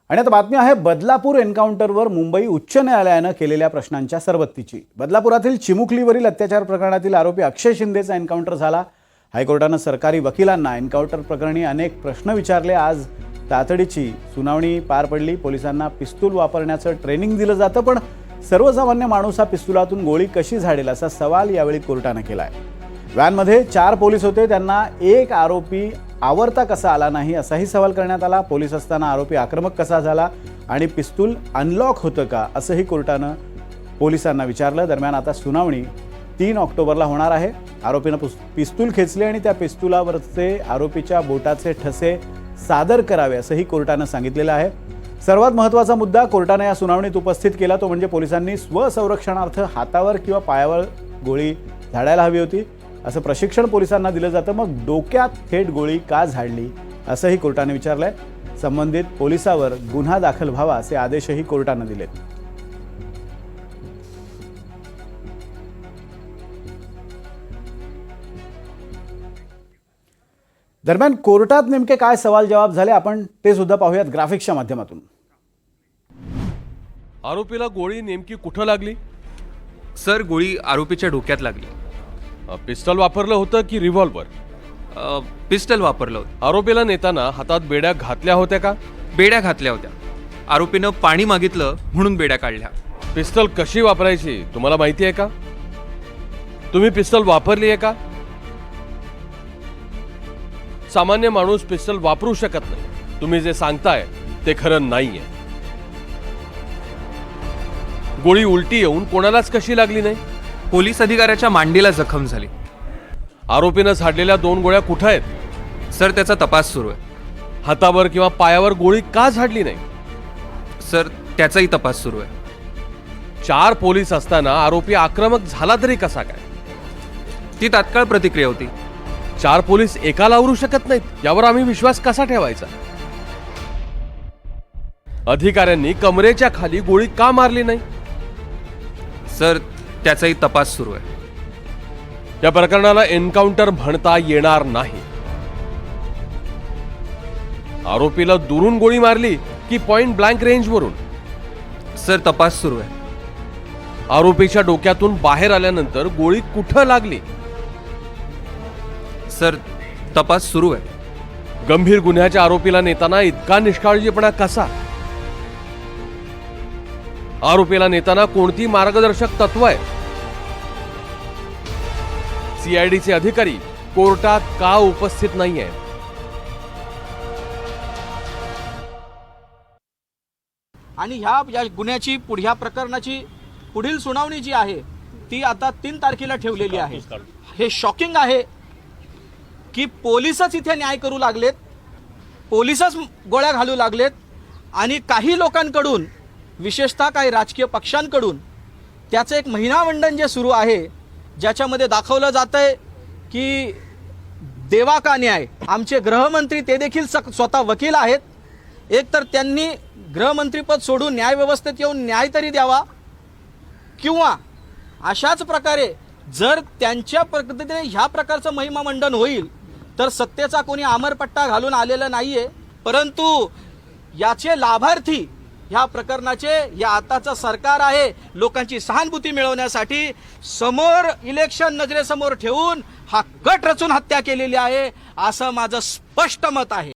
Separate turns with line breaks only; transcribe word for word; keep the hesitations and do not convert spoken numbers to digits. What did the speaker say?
आणि आता बातमी आहे बदलापूर एन्काउंटरवर मुंबई उच्च न्यायालयानं केलेल्या प्रश्नांच्या सरबत्तीची। बदलापुरातील चिमुकलीवरील अत्याचार प्रकरणातील आरोपी अक्षय शिंदेचा एन्काउंटर झाला। हायकोर्टानं सरकारी वकिलांना एन्काउंटर प्रकरणी अनेक प्रश्न विचारले। आज तातडीची सुनावणी पार पडली। पोलिसांना पिस्तूल वापरण्याचं ट्रेनिंग दिलं जातं, पण सर्वसामान्य माणूस हा पिस्तुलातून गोळी कशी झाडेल असा सवाल यावेळी कोर्टानं केलाय। व्हॅनमध्ये चार पोलीस होते, त्यांना एक आरोपी आवरता कसा आला नाही असाही सवाल करण्यात आला। पोलीस असताना आरोपी आक्रमक कसा झाला आणि पिस्तूल अनलॉक होतं का असंही कोर्टानं पोलिसांना विचारलं। दरम्यान आता सुनावणी तीन ऑक्टोबरला होणार आहे। आरोपीनं पिस्तूल खेचले आणि त्या पिस्तुलावरचे आरोपीच्या बोटाचे ठसे सादर करावे असंही कोर्टानं सांगितलेलं आहे। सर्वात महत्त्वाचा मुद्दा कोर्टाने या सुनावणीत उपस्थित केला तो म्हणजे पोलिसांनी स्वसंरक्षणार्थ हातावर किंवा पायावर गोळी झाडायला हवी होती असं प्रशिक्षण पोलिसांना दिलं जातं, मग डोक्यात थेट गोळी का झाडली असंही कोर्टाने विचारलंय। संबंधित पोलिसावर गुन्हा दाखल व्हावा असे आदेशही कोर्टाने दिलेत। दरम्यान कोर्टात नेमके काय सवाल जवाब झाले आपण ते सुद्धा पाहूयात ग्राफिक्सच्या माध्यमातून।
आरोपीला गोळी नेमकी कुठं लागली?
सर, गोळी आरोपीच्या डोक्यात लागली।
पिस्टल वापरलं होतं की रिव्हॉल्वर?
पिस्टल वापरलं होतं।
आरोपीला नेताना हातात बेड्या घातल्या होत्या का?
बेड्या घातल्या होत्या। आरोपीनं पाणी मागितलं म्हणून बेड्या काढल्या।
पिस्टल कशी वापरायची तुम्हाला माहिती आहे का? तुम्ही पिस्टल वापरली आहे का? सामान्य माणूस पिस्टल वापरू शकत नाही। तुम्ही जे सांगताय ते खरं नाहीये। गोळी उलटी येऊन कोणालाच कशी लागली नाही?
पोलीस अधिकाऱ्याच्या मांडीला जखम झाली।
आरोपीनं झाडलेल्या दोन गोळ्या कुठे आहेत?
सर, त्याचा तपास सुरू आहे।
हातावर किंवा पायावर गोळी का झाडली नाही?
सर, त्याचाही तपास सुरू आहे।
चार पोलीस असताना आरोपी आक्रमक झाला तरी कसा काय?
ती तात्काळ प्रतिक्रिया होती।
चार पोलीस एकाला आवरू शकत नाहीत यावर आम्ही विश्वास कसा ठेवायचा? अधिकाऱ्यांनी कमरेच्या खाली गोळी का मारली नाही?
सर, त्याचाही तपास सुरू आहे।
या प्रकरणाला एन्काउंटर म्हणता येणार नाही। आरोपीला दुरून गोळी मारली की पॉइंट ब्लँक रेंजवरून?
सर, तपास सुरू आहे।
आरोपीच्या डोक्यातून बाहेर आल्यानंतर गोळी कुठं लागली?
सर, तपास सुरू आहे।
गंभीर गुन्ह्याच्या आरोपीला नेताना इतका निष्काळजीपणा कसा? आरोपीला नेताना कोणती मार्गदर्शक तत्व आहे? सीआयडीचे अधिकारी कोर्टात का उपस्थित नाहीये?
आणि ह्या या गुन्ह्याची पुढ्या प्रकरणाची पुढील सुनावणी जी आहे ती आता तीन तारखेला ठेवलेली आहे। हे शॉकिंग आहे की पोलीसच इथे न्याय करू लागलेत, पोलीसच गोळ्या घालू लागलेत आणि काही लोकांकडून विशेषतः काही राजकीय पक्षांकडून त्याचं एक महिनामंडन जे सुरू आहे ज्याच्यामध्ये दाखवलं जातंय की देवा का न्याय। आमचे गृहमंत्री ते देखील स्वतः वकील आहेत। एक तर त्यांनी गृहमंत्रीपद सोडून न्यायव्यवस्थेत येऊन न्याय तरी द्यावा, किंवा अशाच प्रकारे जर त्यांच्या पद्धतीने ह्या प्रकारचं महिमामंडन होईल तर सत्तेचा कोणी आमरपट्टा घालून आलेला नाहीये, परंतु याचे लाभार्थी ह्या प्रकरणाचे या आताचं सरकार आहे। लोकांची सहानुभूती मिळवण्यासाठी समोर इलेक्शन नजरेसमोर ठेवून हा कट रचून हत्या केलेली आहे असं माझं स्पष्ट मत आहे।